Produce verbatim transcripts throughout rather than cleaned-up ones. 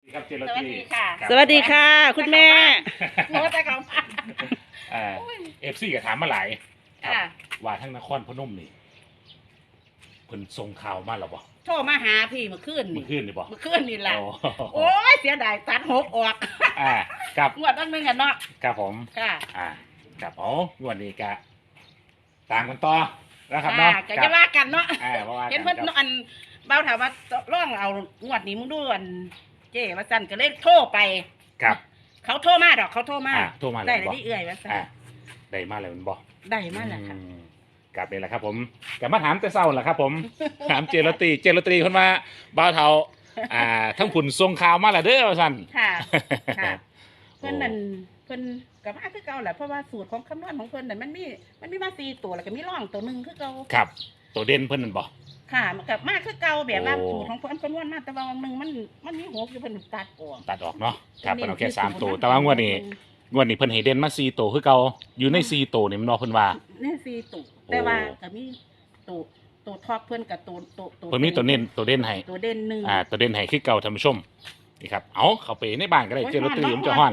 ครับเจรสวัสตีดีค่ะสวัสดีค่ะ คุณแม่โน้ตแต่เขาเอฟซีก็ถามมาหลายครับค่ะว่าทั้งนครพนมนี่เพิ่นส่งข่าวมาหรอบ่โทรมาหาพี่เมื่อคืนเมื่นี่อคืนนี่บ่เมื่อคืนนี่แหละโอ้โอ้ยเสียดายตัดหกออกอ่าครับงวดตั้งนึงกันเนาะครับผมค่ะอ่าครับอ๋องวดนี้ก็ตามกันต่อนะครับเนาะก็จะว่ากันเนาะอ่าเพราะว่าเห็นเพิ่นครับอันเบาถามว่าร่องเอางวดนี้มึงดูอันเจ้ว่าสั่นก็เลยโทรไปครับเขาโทรมาดอกเขาโทรมาอ่าโทรมาเลยได้เลยบ่ที่เอื่อยว่าสั่นอ่าได้มาแล้วมันบ่ได้มาแล้วค่ะอืมกลับนี่แหละครับผมกลับมาถามแต่เศร้าแหละครับ ผม ถามเจรตีเจรตีคนมาบ่าวเทาอ่าทั้งผุนทรงข่าวมาแล้วเด้อว่าซั่นค่ะค่ะโอ้เพิ่นนั่นเพิ่นกับมาคือเก่าแหละเพราะว่าสูตรของคำนวณของเพิ่นนั่นมันมีมันมีมาสี่ตัวแล้วก็มีร่องตัวหนึ่งคือเก่าครับตัวเด่นเพิ่นนั่นบ่ค่ะมันกับมาคือเก่าแบบว่าโอ้สูตรของเพิ่นคำนวณมาแต่ว่าวันหนึ่งมันมันมีหกอยู่เพิ่นตัดออกตัดออกเนาะครับเน้เพิ่นนเอาแค่ที่สามศูนย์ตัวนะแต่ว่างวดนี้งวดนี้เพิ่นให้เด่นมาสี่ตัวคือเก่าอยู่ในสี่ตัวนี่มันเนาะเพิ่นว่านี่สี่ตัวแต่ว่าก็มีตัวตัวท็อปเพิ่นกับตัวตัวตัวเพิ่นมีตัวเน้นตัวเด่นให้ตัวเด่นหนึ่งอ่าตัวเด่นให้คือเก่าท่านผู้ชมนี่ครับเอาเข้าไปในบ้านก็ได้เจรตีผมจะฮ้อน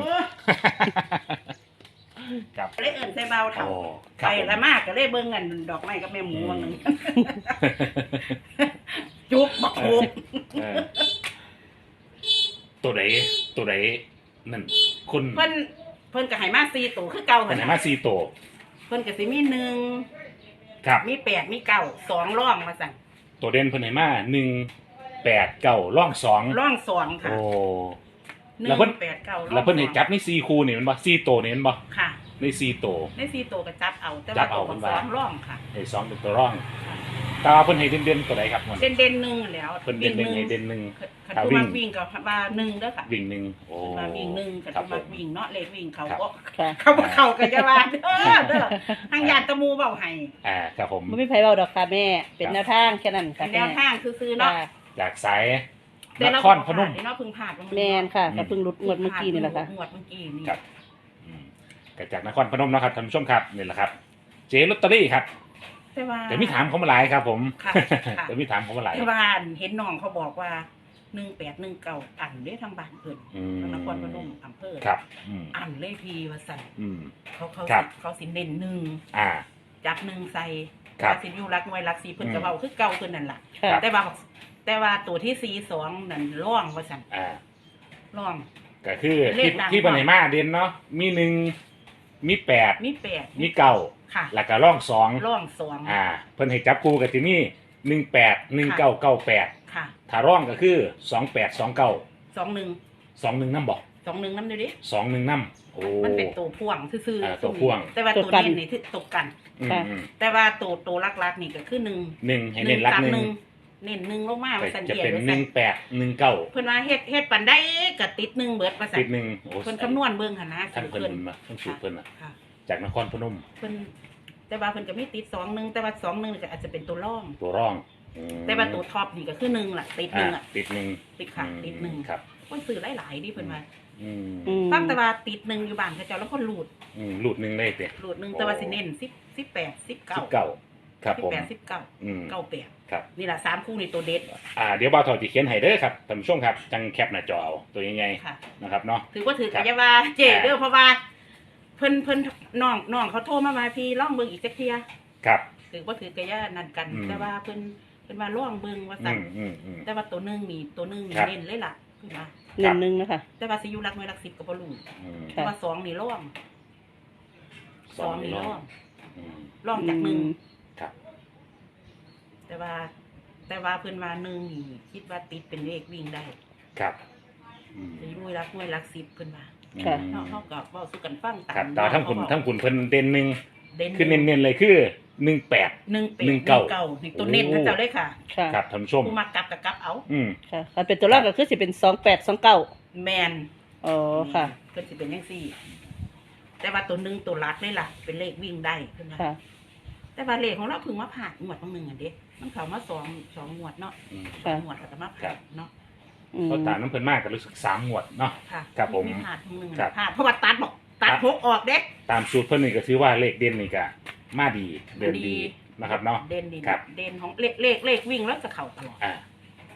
ครับเลยเอิ้นใส่เบาเถาโอ้คไปรับผมละมากก็เลยเบิ่งกันดอกไม้กับแม่หมูวันหนึงจุบบักโขกเออตัวไหนตัวไหนนั่นคุณเพิ่นเพิ่นก็ให้มาสี่ตัวคือเก่าเพิ่หั่นนให้น่ะมาสี่ตัวเพิ่นก็สิมีหนึ่งครับมีแปดมีเก้าสองร่องมาสั่งตัวเด่นเพิ่นให้มาหนึ่งแปดเก้าร่องสองร่องสองค่ะโอ้หนึ่แล้วเพิ่นงแปดเก้าร่องแล้วเพิ่นให้สองจับในสี่คู่นี่แมันบ่สี่ตัวนี่แมันบ่ค่ะในสี่ตัวในสี่ตัวก็จับเอา แต่จัว่าบเอาตัวเพิ่นสว่าองร่องค่ะไอ้สองเป็นตัวร่องแตว่าเพิ่นให้เด่นๆตัวใดครับมันเด่นเด่นๆหนึ่งแล้วเพิ่นเด่นหนึ่งให้เด่นหนึ่งขันถ้าตัววิ่มาง วิ่งกับว่าหนึ่งเด้อค่ะวิ่งหนึ่งโอ้มาวิ่งหนึ่งขันครัตับวผมมาวิ่งเนาะเลขวิ่งเขาครับก็ค่ะเขาบ่เข้ากันจะว่าเด้อเด้อทางญาติตะมูเบาให้อ่าครับผมไม่มีไผเบาดอกค่ะแม่ เป็นแนวทางแค่นั้นเป็ค่ะนแนแม่วทางซื้อๆเนาะค่ะจากสายแต่นเราครพนมเนาะเพึ่งผ่านแม่นค่ะก็เพิ่งรุดงวดเมื่อกี้นี่แหละค่ะงวดเมื่อกี้นี่ครับอืมก็จากนครพนมเนาะครับท่านผู้ชมครับนี่แหละครับ เจลอตเตอรี่ครับแต่ว่าเดี๋ยวมีถามเขามาหลายครับ ผมค่ะค่ะเดี๋ยวมีถามเขามาหลายที่บ้านเห็นน้องเขาบอกว่าหนึ่งแปดหนึ่งเก้าอันได้ทางบ้านเพิ่นอืมนครพนมอำเภอครับอืมอันเลยพีว่าสั่นอืมเขาเขาครับเขาสิเน้นหนึ่งอ่าจับหนึ่งใส่ครับว่าสิอยู่รักหน่วยรักสีเพิ่นอืมก็เว้าคือเก่าเพิ่นนั่นล่ะค่ะครับแต่ว่าแต่ว่าตัวที่สี่สองนั่นร่องว่าสั่นอ่าร่องก็คือเลที่ขดังที่ปัญหามาเด่นเนาะมีหนึ่งมีแปดมีแปดมีเก้าค่ะแล้วก็ร่องสองร่องสองอ่า เพิ่นให้จับคู่กับที่นี่หนึ่งแปดหนึ่งเก้าเก้าแปดค่ะถ้าร่องก็คือสองแปดสองเก้าสองหนึ่งสองหนึ่งน้ำบอกสองหนึ่งน้ำดูดิสองหนึ่งน้ำโอ้มันเป็นตัวพ่วงซื่ออ่าตัวพ่วงแต่ว่าตัตัว วกันเน้นนี่ที่ตกกันอืมค่ะอืมแต่ว่าตัวตัวลักๆนี่ก็คือหนึ่งหนึ่งให้เน้นรักหนึ่งเน้นหนึ่งลงมาว่าสันจะเดียเป็นว่าหสันึ่นงแปดหนึ่งเก้าเพิ่นว่าเฮ็ดเฮ็ดปันได้ก็ติดหนึ่งเบิดว่าสัตินดหนึ่งโอ้เพิ่นคำนวณเบิ่งหั่นนะท่านเพิ่นเพิ่นมาท่านสูตรเพิ่นอ่ะค่ะจากนครพนมเพิ่นแต่ว่าเพิ่นก็มีติดสองหนึ่งแต่ว่าสองหนึ่งนี่ก็อาจจะเป็นตัวร่องตัวร่องอืมแต่ว่าตัวท็อปนี่ก็คือหนึ่งล่ะติดหนึ่งอ่าอ่ะติดหนึ่งติดค่ะอืมติดหนึ่งครับคนซื้อหลายๆดิเพิ่นว่าอืมอืมตั้งแต่ว่าติดหนึ่งอยู่บ้านเขาเจ้าแล้วคนหลุดอืมหลุดหนึ่งได้เตะหลุดหนึ่งแต่ว่าสิเน้นสิบสิบแปดสิบเก้าสิบเก้าครับสิบผมแปดสิบเก้าอืมเก้าแปดครับนี่แหละสามคู่นี่ตัวเด็ดอ่าเดี๋ยวบ่าวถอดจะเขียนให้เด้อครับท่านผู้ชมครับจังแคปหน้าจอเอาตัวใหญ่ค่ะๆนะครับเนาะถือว่าถือครักับ ยาว่าเจอ่าเด้อเพราะว่า เพิ่นเพิ่นน้องน้องเขาโทรมาว่าพี่ล่องเบิ่งอีกจักเที่ยครับถือว่าถือกะยานั่นกันอืมแต่ว่าเพิ่นเพิ่นว่าล่องเบิ่งว่าอืสั่นมอืมอืมแต่ว่าตัวหนึงนี่ตัวหนึงนี่ครับเน้นเลยล่ะเพิ่นว่าหนึ่งหนึ่งนะคะแต่ว่าสิอยู่รักน้อยรักสิบก็บ่รู้อืมแต่ว่าสองนี่ล่องสองนี่ล่องอืมล่องจากหนึ่งครับแต่ว่า แต่ว่าเพิ่นว่าหนึ่งนี่คิดว่าติดเป็นเลขวิ่งได้ครับอืมสิอยู่รักน้อยรักสิบเพิ่นว่าค่ะเนาะเฮาก็เว้าสู่กันฟังตามครับแต่ว่าทั้งคุณเนาะทั้งคุณเพิ่นเด่นหนึ่งเด่นคือเน้นๆเลยคือหนึ่งแปดหนึ่งเป็ดหนึ่งเก้านี่ตัวเน้นเขาเจ้าเลยค่ะค่ะครับท่านผู้ชมผู้มากลับกับกลับเอาอืมค่ะคันเป็นตัวแรกก็คือสิเป็นสองแปดสองเก้าแมนอ๋อค่ะเพิ่นสิเป็นจังซี่ แต่ว่าตัวหนึงตัวรัดเลยล่ะ เป็นเลขวิ่งได้เพิ่นว่าค่ะแต่ว่าเลขของเราเพิ่งมาผ่านงวดบางหนึงอ่ะเด้มันเข้ามาสองสองงวดเนาะอืมสองงวดแล้วก็มาผ่านเนาะอืมเพราะตามน้ำเพิ่นมากก็รู้สึกสามงวดเนาะค่ะครับผมผ่านบางหนึงครับผ่านเพราะว่าตัดบอกตัดหกออกเด้ตามสูตรเพิ่นนี่ก็ถือว่าเลขเด่นนี่ก็มาดีเดินดีนะครับเนาะเด่นดีครับเด่นของเลขเลขเลขวิ่งแล้วจะเข้าตลอดอ่า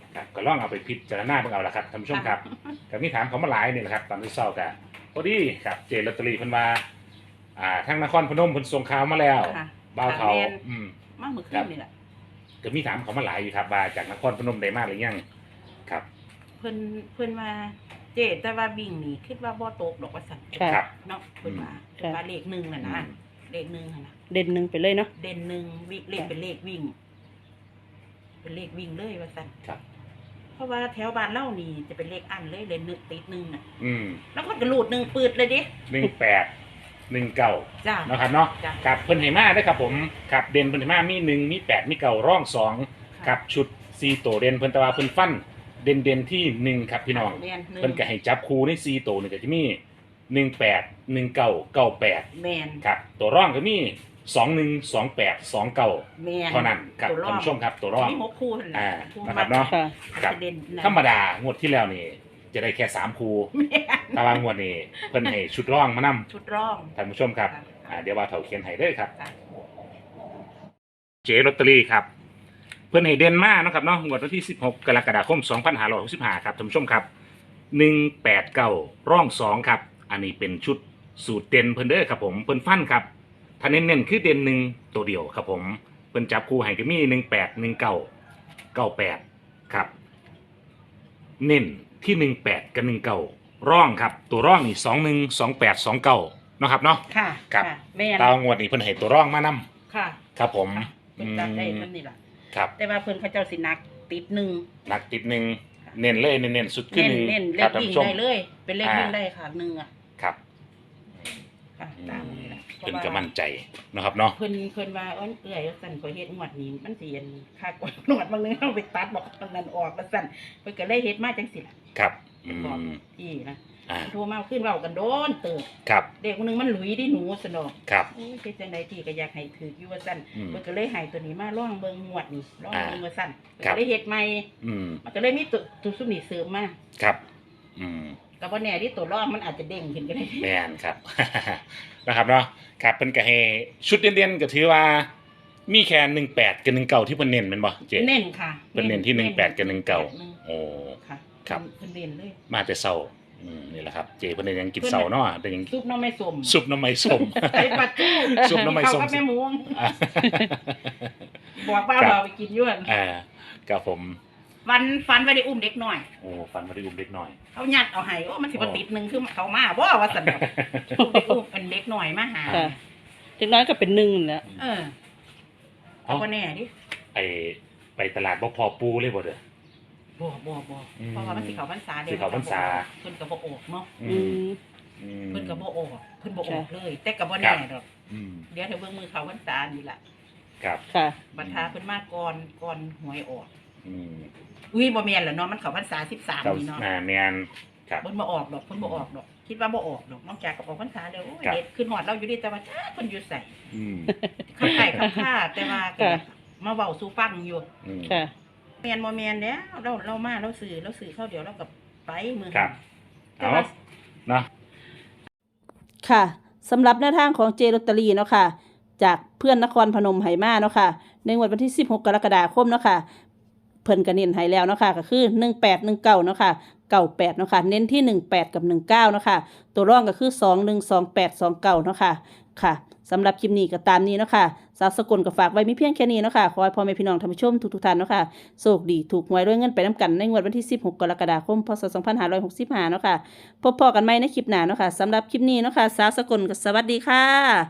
ครับก็ลองเอาไปพิจารณาเบิ่งเอาละครับท่านผู้ชมครับก็มีถามเขามาหลายนี่แหละครับตอนที่เศร้ากันพอดีครับเจลอตเตอรี่เพิ่นว่าอ่าทั้งนครพนมเพิ่นส่งข่าวมาแล้วค่ะบ่าวเฒ่าค่ะแม่นอืมมาเมื่อคืนนี่แหละก็มีถามเขามาหลายอยู่ครับว่าจากนครพนมได้มาหรือยังครับเพิ่นเพิ่นว่าเจแต่ว่าวิ่งนี่คิดว่าบ่ตกดอกว่าสั่นค่ะครับเนาะเพิ่นว่าค่ะเพิ่นว่าเลขหนึ่งน่ะนะเลขหนึ่งน่ะนะเด่นหนึ่งไปเลยเนาะเด่นหนึ่งวิ่งเลขเป็นเลขวิ่ง เป็นเลขวิ่งเลยว่าสั่นครับเพราะว่าแถวบ้านเล่านี่จะเป็นเลขอันเลยเลยนึกติดหนึ่งน่ะอืมแล้วก็กระลูดหนึ่งปืดเลยดิหนึ่งแปดหนึ่งเก้าจ้าเนาะครับเนาะจ้ะครับเพิ่นให้มาได้อครับผมครับเด่นเพิ่นให้มามีหนึ่งมีแปดมีเก้าร่องสองครับชุดซีโตวเด่นเพิ่นแตว่าเพิ่นฟันเด่นเด่นที่หนึ่งครับพี่น้องแม่นหนึ่งเพิ่นก็ให้จับคู่ในซีโตวนี่ก็จะมีหนึ่งแปดหนึ่งเก้าเก้าแปดแมนครับตัวร่องก็มีสองหนึ่งสองแปดสองเก้าแมนเท่านั้นครับตัวท่านผู้ชมครับตัวร่องมีหกคู่นั่นแหละอ่าคู่นะครับเนาะค่ะครับเด่นนะธรรมดางวดที่แล้วนี่จะได้แค่สามคู่แม่นแต่ว่างวดนี้เพิ่นให้ชุดร่องมานํชุดร่องท่านผู้ชมครับอ่าเดี๋ยวว่าเถาเขียนให้เด้อครับค่ะเจลอตเตอรี่ครับเพื่อนให้เด่นมากนาะครับเนาะงวดวันที่สิบหกกรกฎาคมสองพันห้าร้อยหกสิบห้าครับท่านผู้ชมครับหนึ่งแปดเก้าร่องสองครับอันนี้เป็นชุดสูตรเด่นเพิ่นเด้อครับผมเพิ่นฟันครับถ้าเน้นๆคือเด่นหนึ่งตัวเดียวครับผมเพิ่นจับคู่ให้ก็มีหนึ่งแปดหนึ่งเก้าเก้าแปดครับเน้นที่หนึ่งแปดกับหนึ่งเก้าร่องครับตัวร่องนี่สองหนึ่งสองแปดสองเก้าเนาะครับเนาะค่ะครับะแม่นตาวงวดนี้เพิ่นให้ตัวร่องมานํค่ะครับผมเพิ่นจับได้เพิ่นนี่ล่ะครับแต่ว่าเพิ่นเขาเจ้าสินักติดหนึ่งหนักติดหนึ่งเน้นเลยเน้นๆสุดขึ้นเน้นหนึ่งเน้นเลครัขบท่านวิ่งผู้ชมได้เลย เป็นเลขอ่าวิ่งได้ค่ะหนึ่งอ่ะครับค่ะตามนี้ล่ะเพิ่นก็มั่นใจนะครับเนาะเพิ่นเพิ่นว่าอ้อนเอื้อยว่าสั่นขอยเฮ็ดงวดนี้มันสิอันค่ากว่าหนวดบางนึงเอาไปตัดบอกบางนั้นออกว่าสั่นเพิ่นก็เลยเฮ็ดมาจังซี่ล่ะครับอืบอกมพี่นะอ่าโทรมาขึ้นเว้ากันโดนเติบครับเด็กคนหนึงมันหลุยดิหนูสนอกครับโอ้ยเป็นจังไดที่ก็อยากให้ถืออยู่ว่าสั่นอืมเพิ่นก็เลยให้ตัวนี้มาล่องเบิ่งงวดนี่ล่องอ่าเบิ่งว่าสั่นครับก็เลยเฮ็ดใหม่อืมมันก็เลยมีตัวตัวซุมนี่เสริมมาครับอืมก็บ่แน่ที่ตัวล่องมันอาจจะเด้งขึ้นก็ได้แม่นครับ นะครับเนาะครับเพิ่นก็ให้ชุดเด่นๆก็ถือว่ามีแค่หนึ่งแปดกับหนึ่งเก้าที่เพิ่นเน้นแม่นบ่เจ๊เน้นค่ะเพิ่นเน้นที่หนึ่งแปดกับหนึ่งเก้าโอ้ค่ะครับเพิ่นเน้นเลยมาแต่เช้าอืมนี่แหละครับเจ๊เพิ่นได้ยังกินเช้าเนาะได้ยังซุปหน้ำไม่สมซุปน้ำไม้ส้มไอ้ปัดจู้ซุปหน้ำไม้ส้มเข้ากับแม่หมูอ่าบอกว่าครับเราไปกินอย้วนอ่ากับผมฟันฟันไว้ได้อุ้มเด็กหน่อยโอ้ฟันมาได้อุ้มเล็กน้อยเขายัดเอาให้โอ้มันสิบ่โอ้ติดหนึงคือเขามาบ่ว่าซั่นดอกอุ้มเด็กอุ้มเป็นเด็กหน่อยมาหาค่ะ เด็กน้อยก็เป็นหนึ่งนั่นแหละเออเอาบ่แน่ดิไอไปตลาดบ่พอปูเลยบ่เด้อบ่บ่บ่อืมเพราะว่ามันสิเข้าพรรษาเด้สิเข้าพรรษาเพิ่นก็บ่ออกเนาะอืมอืมเพิ่นก็บ่ออกเพิ่นบ่ออกค่ะเลย แต่ก็บ่แน่ดอกอืมเดี๋ยวถ้าเบิ่งมือเข้าพรรษานี่ล่ะครับค่ะบรรทาเพิ่นมาก่อนก่อนหวยออกอืมอุ้ยบ่แม่นล่ะเนาะมันเข้าพรรษาสิบสามเจ้านี่เนาะอ่าแมนครับเพิ่นบ่ออกดอกเพิ่นบ่ออกดอก คิดว่าบ่ออกดอกนอกจากกับออกพรรษาแล้วโอ้ยครับเด็ดขึ้นฮอดเราอยู่ดีแต่ว่าจ้าเพิ่นอยู่ไสอืมข้างใต้ข้างค่าแต่ว่าก็ค่ะมาเว้าสู่ฟังอยู่อืมค่ะแม่นบ่แม่นแล้วเราเรามาเราซื้อเราซื้อเข้าเดี๋ยวเราก็ไปมื้อครับแต่เอาว่าเนาะค่ะสำหรับแนวทางของเจลอตเตอรี่เนาะค่ะ จากเพื่อนนครพนมไหมาเนาะค่ะ ในงวดวันที่สิบหกกรกฎาคมเนาะค่ะ เพิ่นก็เน้นให้แล้วเนาะค่ะก็คือหนึ่งแปดหนึ่งเก้าเนาะค่ะเก้าแปดเนาะค่ะเน้นที่หนึ่งแปดกับหนึ่งเก้าเนาะค่ะตัวร่องก็คือสองหนึ่งสองแปดสองเก้าเนาะค่ะค่ะสำหรับคลิปนี้ก็ตามนี้เนาะค่ะสาวสกลก็ฝากไว้มีเพียงแค่นี้เนาะค่ะขอให้พ่อแม่พี่น้องท่านผู้ชมทุกๆท่านเนาะค่ะโชคดีถูกหวยด้วยเงินไปน้ำกันในงวดวันที่สิบหกกรกฎาคมพศสองพันห้าร้อยหกสิบห้าเนาะค่ะพบพอกันใหม่ในคลิปหน้าเนาะค่ะสำหรับคลิปนี้เนาะค่ะสาวสกลก็สวัสดีค่ะ